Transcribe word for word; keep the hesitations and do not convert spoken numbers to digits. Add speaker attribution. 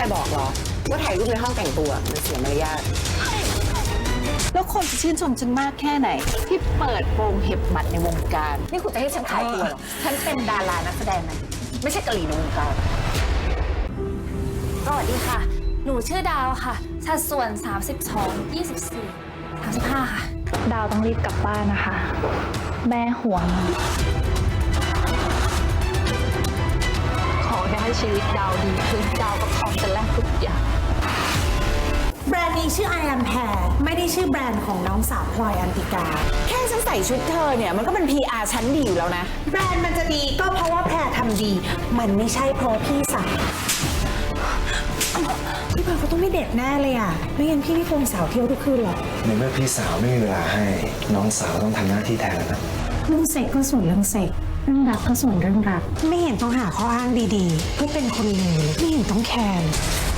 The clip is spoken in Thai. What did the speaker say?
Speaker 1: รบอกหรอว่าถ่ายรูปในห้องแต่งตัวมันเสียมารยาทแล้วคนจะชื่นชมฉันมากแค่ไหนที่เปิดโปงเห็บหมัดในวงการนี่คุณจะให้ฉันขายตัวหรอฉันเป็นดารานักแสดงนะไม่ใช่กะหรี่ในวงการ
Speaker 2: สวัสดีค่ะ หนูชื่อดาวค่ะ สัดส่วน สามสิบสอง ยี่สิบสี่ สามสิบห้า ค่ะ
Speaker 3: ดาวต้องรีบกลับบ้านนะคะ แม่ห่วง ขอแค่ให้ชีวิตดาวดีขึ้นดาวก็พร้อมจะแลกทุกอย่าง
Speaker 4: แบรนด์นี้ชื่อ I am Hair ไม่ได้ชื่อแบรนด์ของน้องสาวพลอยอันติกา
Speaker 1: แค่ฉันใส่ชุดเธอเนี่ยมันก็เป็น พี อาร์ ชั้นดีอยู่แล้วนะ
Speaker 4: แบรนด์มันจะดีก็เพราะว่าแพรทำดี มันไม่ใช่เพราะพี่สาวพี่พลอยเขาต้องไม่เด็ดแน่เลยอ่ะ ไม่งั้นพี่ไม่คงสาวเที่ยวทุกคืนหรอก
Speaker 5: ในเมื่อพี่สาวไม่มีเวลาให้น้องสาวต้องทำหน้าที่แทนแล้วนะ
Speaker 4: เรื่องเซ็กก็ส่วนเรื่องเซ็กเรื่องรักก็ส่วนเรื่องรัก ไม่เห็นต้องหาข้ออ้างดีๆเพื่อเป็นคนเลวเลยไม่เห็นต้องแคร์